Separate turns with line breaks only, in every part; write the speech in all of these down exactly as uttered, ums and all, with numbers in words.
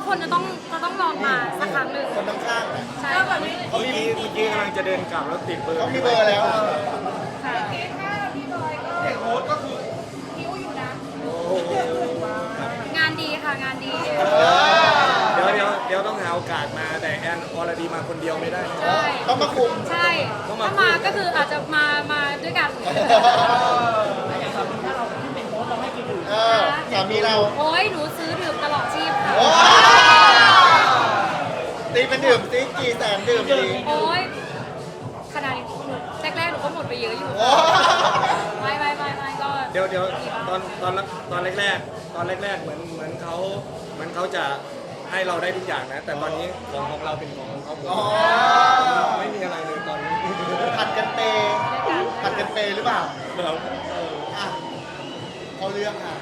คนจะต้องจะต้องลองมาสักครั้งหนึ่ง
คนข้างๆนะ
ใช่
เมื่อกี้เมื่อกี้กำลังจะเดินกลับแล้วติดเบอร์
เขามีเบอร์แล้ว
ค่ะ
เด็กโค้ดก็คือ
งานดีค่ะงานดี
เดี๋ยวเดี๋ยวเดี๋ยวต้องหาโอกาสมาแต่แอนออลดีมาคนเดียวไม่ได้นะ
ใช่
ต้องมาคุม
ใช่ถ้ามาก็คืออาจจะมามาด้วยกัน
เออสามีเรา
โอ้ยหนูซื้อดื่มตลอดชีพค่ะ
โอ้ตีเป็นดื่มตีกี่แสนดื่มดี
โอ้ยขนาดนี้หนูแรกๆหนูก็หมดไปเยอะอยู่
โอ้
ไม่ไม่ไม่ไม่ก็
เดี๋ยวเดี๋ยวตอนตอนตอนแรกๆตอนแรกๆเหมือนเหมือนเขาเหมือนเขาจะให้เราได้ทุกอย่างนะ แต่ตอนนี้ของของเราเป็นของของเขาหมด
อ๋อ
ไม่มีอะไรเลยตอนนี้
ผัดกันเปย์ผัดกันเปย์หรือเปล่า
เรา
อ่ะเขาเรื่องค่ะ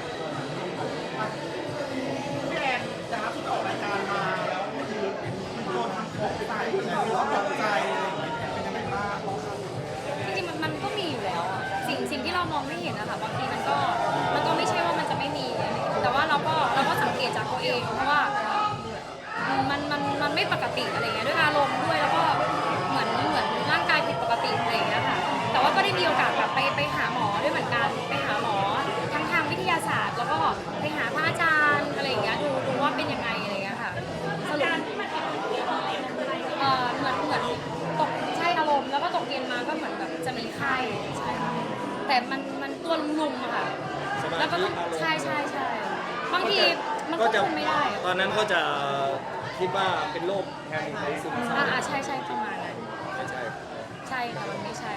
พี่แอนจากที่ออกรายการมาแล้วคือมันโดนทำของใส่แล้วเราตกใจอะไรอย่างเงี้ยเป็นยังไงบ้าง
จริงๆมันมันก็มีอยู่แล้วอะสิ่งสิ่งที่เรามองไม่เห็นนะคะบางทีมันก็มันก็ไม่ใช่ว่ามันจะไม่มีอะไรอย่างเงี้ยแต่ว่าเราก็เราก็สังเกตจากตัวเองเพราะว่ามันมันมันไม่ปกติอะไรเงี้ยด้วยอารมณ์ด้วยแล้วก็เหมือนเหมือนร่างกายผิดปกติอะไรอย่างเงี้ยค่ะแต่ว่าก็ได้มีโอกาสแบบไปไปหาหมอด้วยเหมือนกันไปหาหมอทั้งทางวิทยาศาสตร์ แล้วก็ไปหาพระอาจารย์อะไรอย่างเงี้ยดูดูว่าเป็นยังไงอะไรเงี้ยค่ะสรุปเอ่อเหมือนเหมือนตกใช่อารมณ์แล้วก็ตกเย็นมาก็เหมือนแบบจะมีไข้ใช่ค่ะแต่มันมันตัวลุมๆอะค่ะ
สมา
แล้วก็
ธิ
ต้อง
อารมณ์
ใช่ใช่ใช่บางทีมันควบคุมไม่ได้อะ
ตอนนั้นก็จะคิดว่าเป็นโรคแพนิคหรือซึมเศร้า
อ่าอ่าใช่ใช่ประมาณนั้น
ไม่ใช่
ใช่ค่ะมันไม่ใช่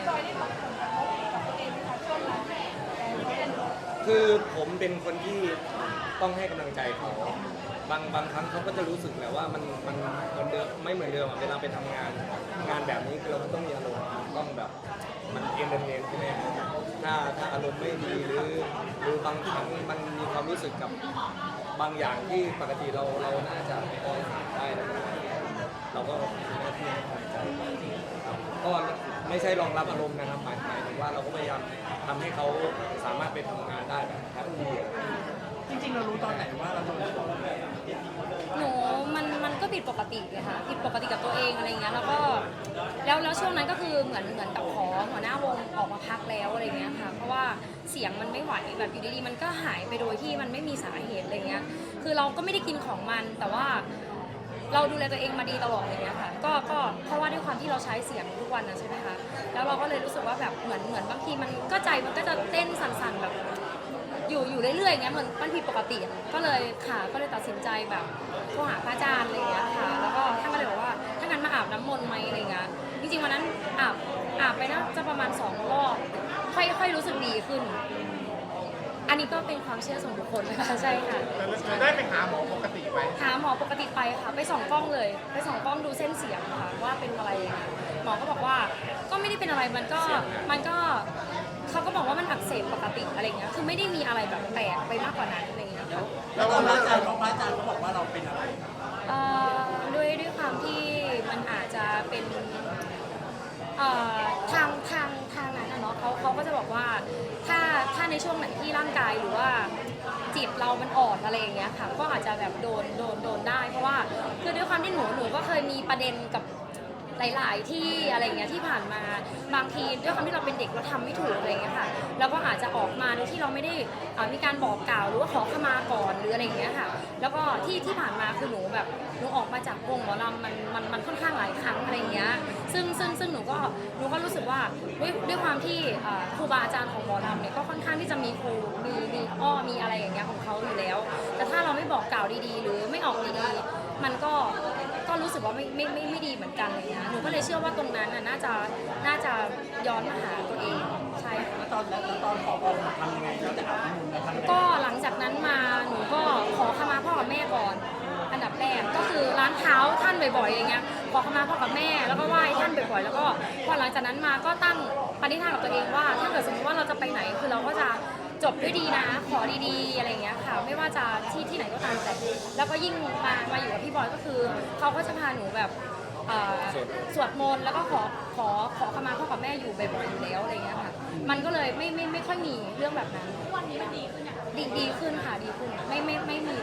คือผมเป็นคนที่ต้องให้กำลังใจเขาบางบางครั้งเขาก็จะรู้สึกแหละว่ามันมันเหมือนเดิมไม่เหมือนเดิมอะเวลาไปทำงานงานแบบนี้คือเราต้องมีอารมณ์ต้องแบบมันเอนเตอร์เทนใช่ไหมถ้าถ้าอารมณ์ไม่ดีหรือหรือบางครั้งมันมีความรู้สึกกับบางอย่างที่ปกติเราเราน่าจะพอผ่านได้แล้วเราก็มีหน้าที่ให้กำลังใจครับก็ไม่ใช่รองรับอารมณ์นะครับหมายหมายถึงว่าเราก็พยายามทำให้เขาสามารถไปทำงานได้แบบแฮปปี้
จริงๆเรารู้ตอนไหนว่าเราโดนของ
หนูมันมันก็ผิดปกติเลยค่ะผิดปกติกับตัวเองอะไรเงี้ยแล้วก็แล้วแล้วช่วงนั้นก็คือเหมือนเหมือนกับขอหัวหน้าวงออกมาพักแล้วอะไรเงี้ยค่ะเพราะว่าเสียงมันไม่ไหวแบบอยู่ดีๆมันก็หายไปโดยที่มันไม่มีสาเหตุอะไรเงี้ยคือเราก็ไม่ได้กินของมันแต่ว่าเราดูแลตัวเองมาดีตลอดอะไรเงี้ยค่ะก็ก็เพราะว่าด้วยความที่เราใช้เสียงทุกวันนะใช่ไหมคะแล้วเราก็เลยรู้สึกว่าแบบเหมือนเหมือนบางทีมันก็ใจมันก็จะเต้นสั่นๆแบบ อยู่อยู่เรื่อยๆอย่างเงี้ยเหมือนมันผิดปกติอะก็เลยค่ะก็เลยตัดสินใจแบบโทรหาพระอาจารย์อะไรอย่างเงี้ยค่ะแล้วก็ท่านก็เลยบอกว่าถ้างั้นมาอาบน้ำมนต์ไหมอะไรเงี้ยจริงๆวันนั้นอาบอาบไปน่าจะประมาณสองรอบค่อยค่อยรู้สึกดีขึ้น อันนี้ก็เป็นความเชื่อส่วนบุคคลนะคะใช่ค่ะ
เราได้ไปหาหมอปกติไหม
หาหมอปกติไปค่ะไปส่องกล้องเลยไปส่องกล้องดูเส้นเสียงค่ะว่าเป็นอะไรยังไงหมอก็บอกว่าก็ไม่ได้เป็นอะไรมันก็มันก็เขาก็บอกว่ามันอักเสบปกติอะไรเงี้ยคือไม่ได้มีอะไรแบบแปลกไปมากกว่านั้นอะไรเงี้ยค่ะ
แล้วตอนพระอาจารย์เขาพระอาจารย์เขาบอกว่าเราเป็นอะไร
เอ่อด้วยด้วยความที่มันอาจจะเป็นเอ่อทางทางทางนั้นนะเนาะเขาเขาก็จะบอกว่าถ้าถ้าในช่วงไหนที่ร่างกายหรือว่าจิตเรามันอ่อนอะไรอย่างเงี้ยค่ะก็อาจจะแบบโดนโดนโดนได้ เพราะว่าคือด้วยความที่หนูหนูก็เคยมีประเด็นกับหลาย ๆ ที่อะไรเงี้ยที่ผ่านมาบางทีด้วยความที่เราเป็นเด็กเราทำไม่ถูกอะไรเงี้ยค่ะแล้วก็อาจจะออกมาโดยที่เราไม่ได้เอ่อมีการบอกกล่าวหรือว่าขอขมาก่อนหรืออะไรอย่างเงี้ยค่ะแล้วก็ที่ที่ผ่านมาคือหนูแบบหนูออกมาจากวงหมอลำมันมันมันค่อนข้างหลายครั้งอะไรเงี้ยซึ่งซึ่งซึ่งหนูก็หนูก็รู้สึกว่าด้วยด้วยความที่เอ่อครูบาอาจารย์ของหมอลำเนี่ยก็ค่อนข้างที่จะมีครูมีมีอ้อมีอะไรอย่างเงี้ยของเขาอยู่แล้ว แต่ถ้าเราไม่บอกกล่าวดีๆ หรือไม่ออกดีๆมันก็ก็รู้สึกว่าไม่ไม่ไม่ไม่ดีเหมือนกันอะไรเงี้ยหนูก็เลยเชื่อว่าตรงนั้นน่ะน่าจะน่าจะย้อนมาหาตัวเองใช่ค่ะ
แล้วตอนแล้วตอนขอบอกทำยังไงเราจะอาบน้ำมนต์แล้วทำยังไง
ก็หลังจากนั้นมาหนูก็ขอขมาพ่อกับแม่ก่อน อันดับแรกก็คือล้างเท้าท่านบ่อยๆอย่างเงี้ยขอขมาพ่อกับแม่แล้วก็ไหว้ท่านบ่อยๆแล้วก็พอหลังจากนั้นมาก็ตั้งปณิธานกับตัวเองว่า ถ้าเกิดสมมติว่าเราจะไปไหนคือเราก็จะจบด้วยดีนะ ขอดีๆอะไรอย่างเงี้ยค่ะไม่ว่าจะที่ที่ไหนก็ตามแต่แล้วก็ยิ่งมามาอยู่กับพี่บอยก็คือเขาก็จะพาหนูแบบเอ่อสวดมนต์แล้วก็ขอขอขอขมาพ่อกับแม่อยู่บ่อยๆอยู่แล้วอะไรอย่างเงี้ยค่ะมันก็เลยไม่ไม่ไม่ค่อยมีเรื่องแบบนั้นวันนี้มันดีขึ้นดีดีขึ้นค่ะดีขึ้นไม่ไม่ไม่มีเลย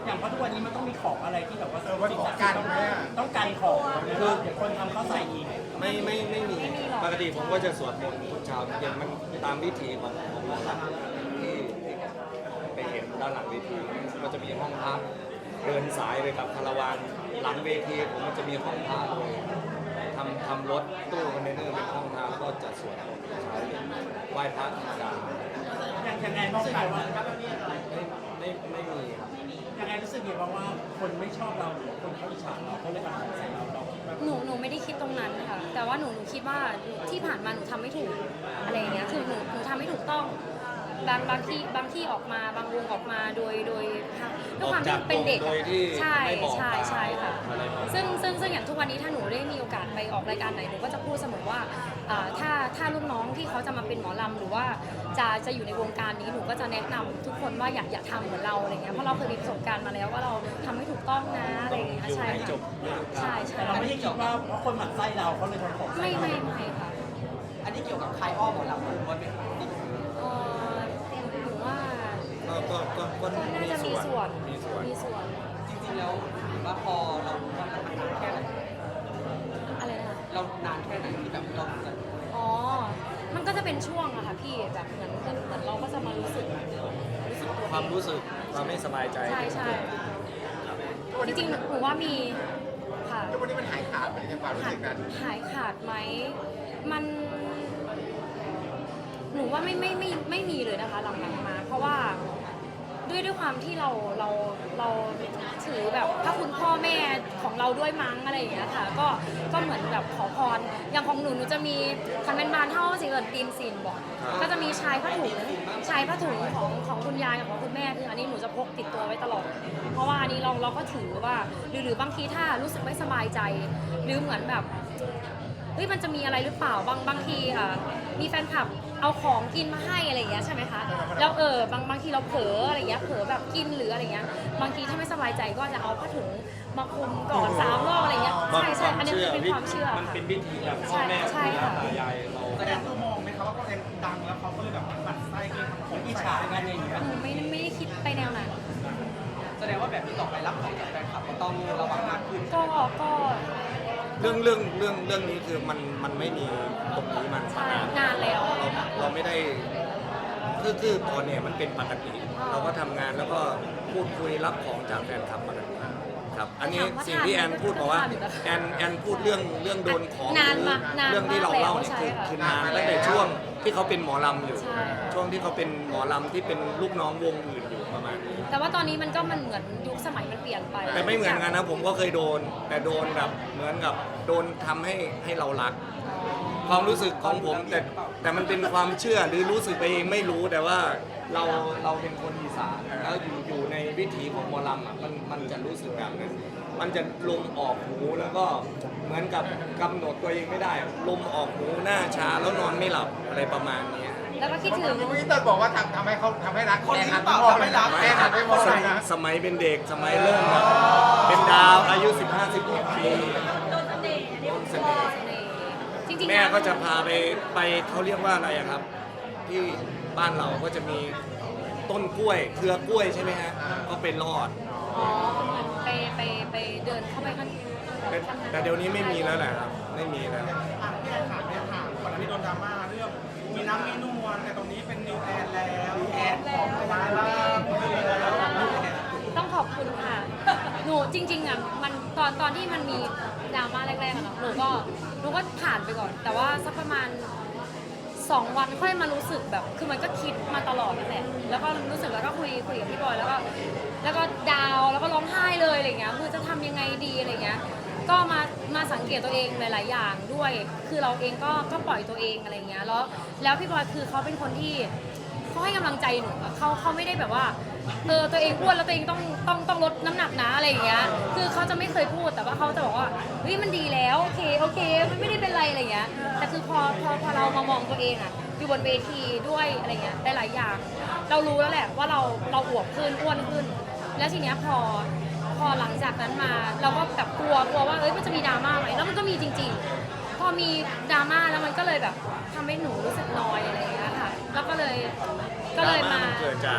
อย่างเพราะทุกวันนี้มันต้องมีของอะไรที่แบบว่า
เออว่าของกัน
ต้อง
เนี่ย
ต้องกันของคือเดี๋ยวคนทำเข้าใส่อีก
ไม่ไม่ไม่มีปกติผมก็จะสวดมนต์ทุกเช้าอย่างมันตามวิถีของของหมอลำที่ที่ไปเห็นด้านหลังเวทีก็จะมีห้องพักเดินสายไปกับคาราวานหลังเวทีผมมันจะมีห้องพักเลยทำทำรถตู้คอนเทนเนอร์เป็นห้องพักแล้วก็จะสวดมนต์ทุกเช้าไหว้พระธรรมดา
อย่างอย่างไงมองไปว่า
ไม่ไม่ไม่มีครับ
อย่างไงรู้สึกไงบ้างว่าคนไม่ชอบเราหรือคนเขาอิจฉาเราเขาเลยทำของใส่เราเราคิดว่า
หนูหนูไม่ได้คิดตรงนั้นค่ะแต่ว่าหนูหนูคิดว่าที่ผ่านมาหนูทำไม่ถูกอะไรอย่างเงี้ยคือหนูหนูทำไม่ถูกต้องบางบางที่บางที่ออกมาบางวงออกมาโดยโดยด้วยความที่เป็นเด็ก
โดยที่
ใช่
ไม่บอก
ใช่ใช่ค่ะ
อะไรประมาณนั้น
ซึ่งซึ่งซึ่งอย่างทุกวันนี้ถ้าหนูได้มีโอกาสไปออกรายการไหนหนูก็จะพูดเสมอว่าอ่าถ้าถ้าลูกน้องที่เขาจะมาเป็นหมอลำหรือว่าจะจะอยู่ในวงการนี้หนูก็จะแนะนำทุกคนว่าอย่าอย่าทำเหมือนเราอะไรเงี้ยเพราะเราเคยมีประสบการณ์มาแล้วว่าเราทำไม่ถูกต้องนะอะไรอย่างเงี้ย
อยู่
ใช่
ให้จ
ค่ะ
บ
ใช่ใช่
แต่เราไม่ได้คิดว่าเพราะคนหมั่นไส้เราเขาเลยทำของใส่
ไม่
เรา
ไม่ไม่ค่ะ
อันนี้เกี่ยวกับใครอ้อมหมอลำหรือว่าเป็น
เอ่อหนูว่า
ก็ก็ก็ก็
น่าจะมีส่วน
มีส่วน
มีส่วน
จริงๆแล้วหรือว่าพอเรารู้ว่ามันนานแค่ไหน
อะไรนะคะ
เรานานแค่ไหนที่แบบเราจะ
อ๋อ มันก็จะเป็นช่วงอะค่ะพี่แบบเหมือนเหมือนเหมือนเราก็จะมารู้สึกรู้สึกตัว
ความรู้สึกความไม่สบายใจ
ใช่ใช่จริงๆหนูว่ามีค่ะ
แล้ววันนี้มันหายขาดไปในความรู้
หาย
สึกนั้น
หายขาดไหมมัน หนูว่าไม่ไม่ไม่ไม่มีเลยนะคะหลังๆมา เพราะว่าด้วยด้วยความที่เราเราเราถือแบบพระคุณพ่อแม่ของเราด้วยมั้งอะไรอย่างเงี้ยค่ะ ก็ก็เหมือนแบบขอพรอย่างของหนูหนูจะมีคันเป็นบานเท่าสิเกิดตีนสินบอกก็จะมีชายผ้าถุงชายผ้าถุงของของคุณยายกับของคุณแม่คืออันนี้หนูจะพกติดตัวไว้ตลอด เพราะว่าอันนี้เราเราก็ถือว่าหรือหรือบางทีถ้ารู้สึกไม่สบายใจ หรือเหมือนแบบเฮ้ยมันจะมีอะไรหรือเปล่าบางบางทีอ่ะมีแฟนคลับเอาของกินมาให้อะไรอย่างเงี้ยใช่ไหมคะแล้วเออบางบางทีเราเผลออะไรอย่างเงี้ยเผลอแบบกินหรืออะไรเงี้ยบางทีถ้าไม่สบายใจก็จะเอาผ้าถุงมาคลุมก่อนสามรอบอะไรเงี้ยใช่ใช่อันนี้มันเป็นความเชื่อ
มัน
ค่ะ
เป็นวิธีแบบพ่อแม่
ใช่
ปู่
ใช่
ย่า
ค่ะ
ตายายเรา
แสดงตัวมองไหมครับว่าเขาเองดังแล้วเขาก็เลยแบบหมั่นไส้ก็เลยทำของอิจฉากันอย่างเงี้ย
หนูไม่ไม่ได้คิดไปแนวนั้น
แสดงว่าแบบนี้ต่อไปรับของจากแฟนคลับก็ต้องระวังมากขึ้น
ก็ก็
เรื่องเรื่องเรื่องเรื่องนี้คือมันมันไม่มีตรงนี้มัน
ใช่
มานาน
นานแล้ว
เราเราไม่ได้คือคือตอนเนี่ยมันเป็นปกติ เราก็ทำงานแล้วก็พูดคุยรับของจากแฟนคลับปกติครับ อันนี้สิ่งที่แอนพูดบอกว่าแอนแอนพูดเรื่องเรื่องโดนของ
นาน
หรื
มา
อน
าน
เรื่องที่เราเล่าเนี่ย
ใช่
คือ
ค่ะ
คือนานตั้งแต่ช่วงที่เขาเป็นหมอลำอยู่
ใช่
ช่วงที่เขาเป็นหมอลำที่เป็นลูกน้องวงอื่นอยู่ประมาณนี้
แต่ว่าตอนนี้มันก็มันเหมือนยุคสมัยมันเปลี่ยนไป
แต่ไม่เหมือนกันนะผมก็เคยโดน แต่โดนแบบเหมือนกับโดนทำให้ให้เรารัก ความรู้สึกของผมแต่แต่มันเป็นความเชื่อหรือรู้สึกไปเองไม่รู้แต่ว่าเราเราเป็นคนอีสานแล้วอยู่อยู่ในวิถีของหมอลำอ่ะมันมันจะรู้สึกแบบนั้นมันจะลมออกหูแล้วก็เหมือนกับกำหนดตัวเองไม่ได้ ลมออกหูหน้าชาแล้วนอนไม่หลับอะไรประมาณเนี้ย
แล้วก็คิดถึง
พี่เต้ยบอกว่าทำทำให้เขาทำให้รัก
คนนี้
แหัน
เปล่า
ไปมอง
ทำให้รัก
แม่หันไปมอง
ส
เลย
มัย
นะ
สมัยเป็นเด็กสมัยเริ่มแบบเป็นดาวอายุสิบห้า สิบหกปีโดนเสน่ห์
จริงๆ
แม่
นะ
ก็จะพาไปไปเขาเรียกว่าอะไรอะครับ ที่บ้านเราก็จะมีต้นกล้วยเครือกล้วยใช่ไหมฮะก็ไปรอด
อ๋อเหมือนไปไปไปเดินเข้าไปข้าง
แต่แต่เดี๋ยวนี้ไม่มีแล้วแหละครับไม่มีแล้ว
อ่ะพี่แอนถามเนี่ยถามก่อนหน้านี้โดนดราม่าเรื่องมีน้ำมีนวลแต่ตรงนี้เป็นนิวแอนแล้วแอนของไปได้บ้าง
ต้องขอบคุณค่ะ หนูจริงๆอ่ะมันตอนตอนที่มันมีดราม่าแรกๆอะเนาะหนูก็หนูก็ผ่านไปก่อน แต่ว่าสักประมาณสองวันค่อยมารู้สึกแบบ คือมันก็คิดมาตลอดนั่นแหละแล้วก็รู้สึกแล้วก็คุยคุยกับพี่บอยแล้วก็แล้วก็ดาวแล้วก็ร้องไห้เลยอะไรเงี้ยคือจะทำยังไงดีอะไรเงี้ยก็มามาสังเกตตัวเองหลาย ๆ อย่างด้วย คือเราเองก็ก็ปล่อยตัวเองอะไรเงี้ยแล้วแล้วพี่บอยคือเขาเป็นคนที่เขาให้กำลังใจหนูอะเขาเขาไม่ได้แบบว่าเออตัวเองอ้วนแล้วตัวเองต้องต้องต้องลดน้ำหนักนะอะไรอย่างเงี้ยคือเขาจะไม่เคยพูดแต่ว่าเขาจะบอกว่าเฮ้ยมันดีแล้วโอเคโอเคมันไม่ได้เป็นไรอะไรเงี้ยแต่คือพอพอพอเรามามองตัวเองอะอยู่บนเวทีด้วยอะไรเงี้ยหลายๆอย่าง เรารู้แล้วแหละว่าเราเราอวบขึ้นอ้วนขึ้น แล้วทีเนี้ยพอพอหลังจากนั้นมาเราก็แบบกลัวกลัวว่าเอ้ยมันจะมีดราม่าไหมแล้วมันก็มีจริง ๆ พอมีดราม่าแล้วมันก็เลยแบบทำให้หนูรู้สึกน้อยอะไรอย่างเงี้ยค่ะแล้วก็เลยก็เลยมา
ดรนเกิดจาก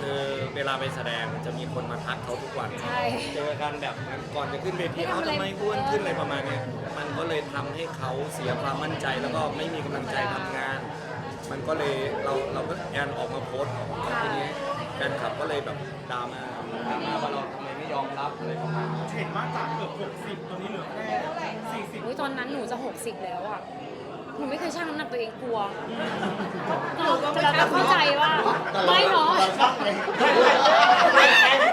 คือเวลาไปแสดงจะมีคนมาทักเขาทุกวัน
ใช่
เจอกันแบบก่อนจะขึ้นเวที
ไม่ทำ
เขา
อะไร
ทำไมอ้วนขึ้นอะไรประมาณเนี้ยมันก็เลยทำให้เขาเสียความมั่นใจแล้วก็ไม่มีกำลังใจทำงาน มันก็เลยเราเราก็แอนออกมาโพสต์ทีนี้แฟนคลับก็เลยแบบดราม่าดราม่าว่าเราทำไมไม่ยอมรับอะไรประมาณนี้
เห็นว่าจากเกือบหกสิบตอนนี้เหลือแค่สี่สิบ
อุ๊ยตอนนั้นหนูจะหกสิบแล้วอ่ะ หนูไม่เคยชั่งน้ำหนักตัวเองกลัวหนูก็ไม่ได้เข้าใจว่าไม่เนาะไม่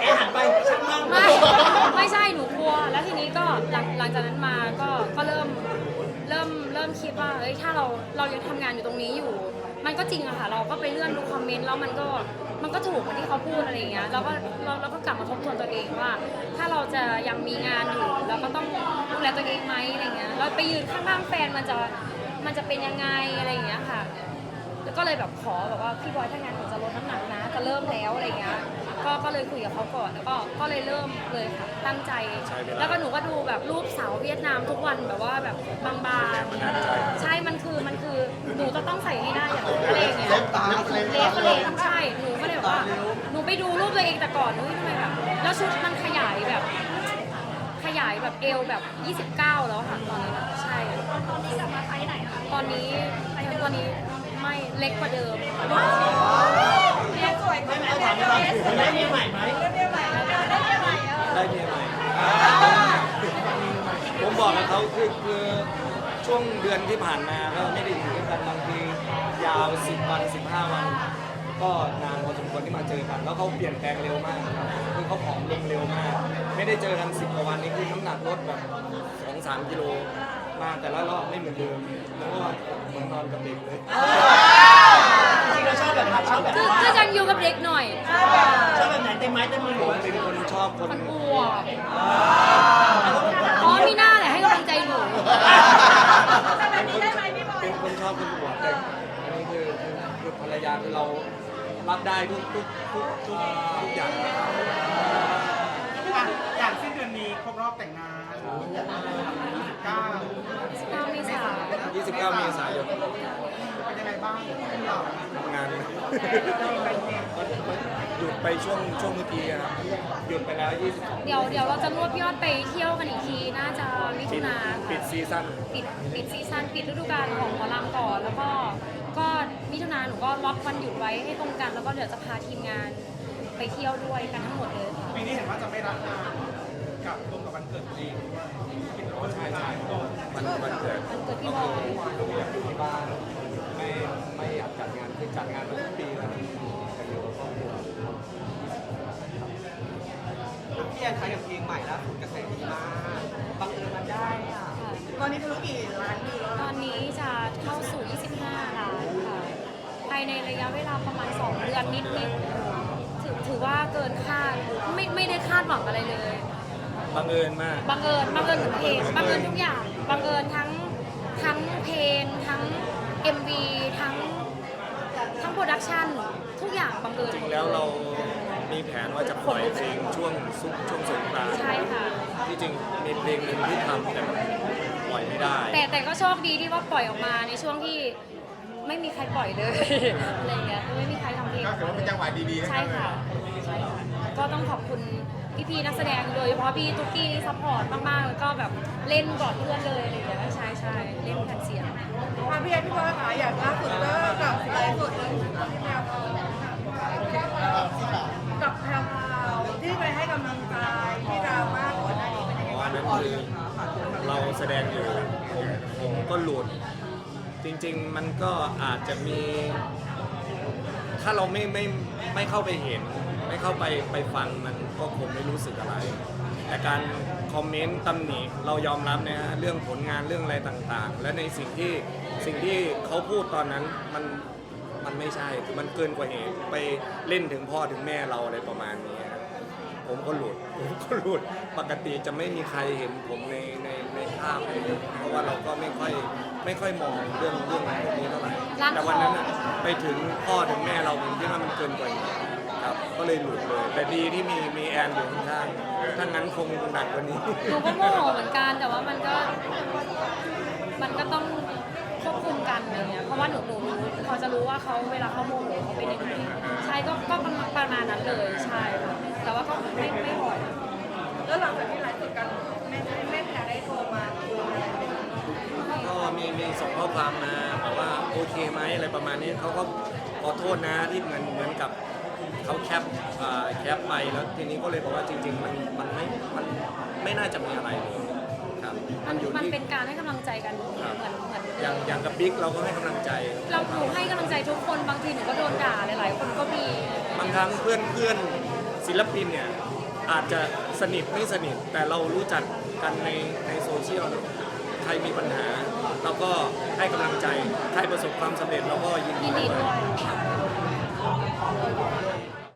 ไม่ใช่หนูกลัว แล้วทีนี้ก็หลังหลังจากนั้นมาก็ก็เริ่มเริ่มเริ่มคิดว่าเอ้ยถ้าเราเรายังทำงานอยู่ตรงนี้อยู่ มันก็จริงอะค่ะ เราก็ไปเลื่อนดูคอมเมนต์แล้วมันก็มันก็ถูกเหมือนที่เขาพูดอะไรอย่างเงี้ยเราก็เราเราก็กลับมาทบทวนตัวเองว่า ถ้าเราจะยังมีงานอยู่เราก็ต้องดูแลตัวเองไหมอะไรเงี้ยเราไปยืนข้างๆแฟนมันจะมันจะเป็นยังไงอะไรอย่างเงี้ยค่ะ แล้วก็เลยแบบขอแบบว่าพี่บอยถ้างานหนูจะลดน้ำหนักนะจะเริ่มแล้วอะไรเงี้ยก็ก็เลยคุยกับเขาก่อนแล้วก็ก็เลยเริ่มเลยค่ะตั้งใจ
ใช้เวลา
แล้วก็หนูก็ดูแบบรูปสาวเวียดนามทุกวันแบบว่าแบบบางๆใช่มันคือมันคือหนูจะต้องใส่ให้ได้อย่างนั้นอะไรอย่างเงี้ย
เล็บตาเล็บ
เล็
ตา
บเลยใช่หนูก็เลยแบบว่าหนูไปดูรูปตัวเองแต่ก่อนเฮ้ยทำไมแบบแล้วชุดมันขยายแบบขยายแบบเอวแบบยี่สิบเก้าแล้วค่ะตอนนี้ใช่ตอนนี้กลับมาไซส์ไหนคะตอนนี้ตอนนี้ไม่เล็กกว่าเดิมเล็กสวยกว่าเดิมได้เมียใหม่ไหมได้เมียใหม่ได้เมียใหม่เออ
ได้เมียใหม่ ผมบอกกับเขาคือคือช่วงเดือนที่ผ่านมาก็ไม่ได้อยู่ด้วยกันบางทียาวสิบวันสิบห้าวัน ก็นานพอสมควรที่มาเจอกัน แล้วเขาเปลี่ยนแปลงเร็วมากครับคือเขาผอมลงเร็วมาก ไม่ได้เจอกันสิบกว่าวันนี้คือน้ำหนักลดแบบสองสามกิโลมาแต่ละรอบไม่เหมือนเดิมแล้วก็เหมือนนอนกับเด็กเลย
จริงเราชอบแบบไหนชอบแบบ
คือคือยังอยู่กับเด็กหน่อย
ชอบแบบไหนเต็มไม้เต็มมือ
ผมเป็นคนชอบคน
มันอ้วกอ๋อมีหน้าแหละให้กำลังใจหนู
เป็นคนเป็นคนชอบคนอวดแต่อันนี้คือคือคือภรรยาคือเรารับได้ทุกทุกทุกทุกทุกอย่าง
อ่ะอย่างสิ้นเดือนนี้ครบรอบแต่งงานยี่สิบเก้า
เก้าเมษา
ยี่สิบเก้าเมษายน
เป็นยังไงบ้างเรา
ทำงานหยุดไปช่วงช่วงเมื่อกี้ครับหยุดไปแล้วยี่สิบ
เดี๋ยวเดี๋ยวเราจะรวบยอดไปเที่ยวกันอีกที น่าจะมิ
ปิ
ถุ
ด
นา
ปิดซีซั่น
ปิดปิดซีซั่นปิดฤดูกาลของหมอลำก่อน แล้วก็ก็มิถุนาหนูก็ล็อกวันหยุดไว้ให้ตรงกัน แล้วก็เดี๋ยวจะพาทีมงานไปเที่ยวด้วยกันทั้งหมดเลยค่ะ
ปีนี้เห็นว่าจะไม่รับงานกับตรงกับวันเกิดตัวเองด้วยคิดว่าใช่ใช่
มันมันเกิด
มันเกิดพี่บอย
อยากอยู่ที่บ้านไม่ไม่อยากจัดงานคือจัดงานมาทุกปีแล้วแต่อยู่กับครอบครัว
พี่แอนใช้กับเพลงใหม่ล่าสุดกระแสดีมากบังเอิญมันได้อ่ะ
ตอนนี้ธุรกิจร้านวิวแล้ว
ตอนนี้จะเข้าสู่ ยี่สิบห้า ล้านค่ะ ภายในระยะเวลาประมาณ สอง เดือนนิดๆถือถือว่าเกินคาด ไม่ไม่ได้คาดหวังอะไรเลย
บังเอิญมาก
บังเอิญบังเอิญทุกเพลงบังเอิญทุกอย่างบังเอิญทั้งทั้งเพลงทั้ง เอ็ม วี ทั้งทั้งโปรดักชันทุกอย่างบังเอิญ
จริงแล้วเรามีแผนว่าจะปล่อยเพลงช่วงซุกช่วงสงกรานต์
ใช่ค่ะ
ที่จริงมีเพลงหนึ่งที่ทำแต่มันปล่อยไม่ได้
แต่แต่ก็โชคดีที่ว่าปล่อยออกมาในช่วงที่ไม่มีใครปล่อยเลย อะไรอย่างเงี้ยไม่มีใครทำเพลง
ก็ถือว่าเป็นจังหวะดีๆนะ
ใช่ค่ะใช่ค่ะก็ต้องขอบคุณพี่ๆนักแสดงโดยเฉพาะพี่ตุ๊กกี้ซัพพอร์ตมากๆแล้วก็แบบเล่นก่อนเพื่อนเลยอะไรอย่างเงี้ยใช่ใช่เล่นแผ่นเสียง
อ่ะพี่แอนพี่บอยค่ะอย่างล่าสุดก็กับไลฟ์สดเลยแพรวพรกับแพรวพราวที่ไปให้กำลังใจที่ดราม่าก่อนหน้านี้เป็นยังไง
เพราะ
บ้า
อั
ง
นนั้นคือเราแสดงอยู่ผมผมก็หลุด จริงๆมันก็อาจจะมี ถ้าเราไม่ไม่ไม่เข้าไปเห็น ไม่เข้าไปไปฟังมันก็คงไม่รู้สึกอะไร แต่การคอมเมนต์ตำหนิเรายอมรับนะฮะเรื่องผลงานเรื่องอะไรต่างๆ และในสิ่งที่สิ่งที่เขาพูดตอนนั้นมันมันไม่ใช่คือมันเกินกว่าเหตุไปเล่นถึงพ่อถึงแม่เราอะไรประมาณนี้ครับ ผมก็หลุด ผมก็หลุด ปกติจะไม่มีใครเห็นผมในในในภาพเลยเพราะว่าเราก็ไม่ค่อยไม่ค่อยมองเรื่องเรื่องพวกนี้เท่าไหร่
ร้าน
แต่วันนั้น
ทอง
น่ะไปถึงพ่อถึงแม่เราผมคิดว่ามันเกินกว่าเหตุครับ ก็เลยหลุดเลย แต่ดีที่มีมีแอนอยู่ข้างๆถ้างั้นคงหนักกว่านี้
หนูก็โมโหเหมือนกันแต่ว่ามันก็มันก็ต้องควบคุมกันอะไรเงี้ยเพราะว่าหนูหนูรู้พอจะรู้ว่าเขาเวลาเขาโมโหเขาเป็นยังไงใช่ก็ก็ประมาณนั้นเลยใช่ค่ะแต่ว่าก็ไม่ไม่บ่อย
แล้วหลังจากที่ไลฟ์สดกันแม่แม่แพรได้โทรมาคุยอะไรไหมคะ
ก็มีมีส่งข้อความมาบอกว่าโอเคไหมอะไรประมาณนี้เขาก็ขอโทษนะที่เหมือนเหมือนกับเขาแคปอ่าแคปไปแล้วทีนี้ก็เลยบอกว่าจริง ๆ มันมันไม่มันไม่น่าจะมีอะไรเลยครับ
มั
มัน นอยู่
มัน
ที่
เป็นการให้กำลังใจกันเหมือนเหมือน
อย่างอย่างกับบิ๊กเราก็ให้กำลังใจ
เราหนูให้กำลังใจทุกคนบางทีหนูก็โดนด่าหลายๆคนก็มี
บางครั้งเพื่อนเพื่อนศิลปินเนี่ยอาจจะสนิทไม่สนิทแต่เรารู้จักกันในในโซเชียลเนอะใครมีปัญหาเราก็ให้กำลังใจใครประสบความสำเร็จเราก็ยินดี
ยินดี
ด้
ด้
ว
วย ย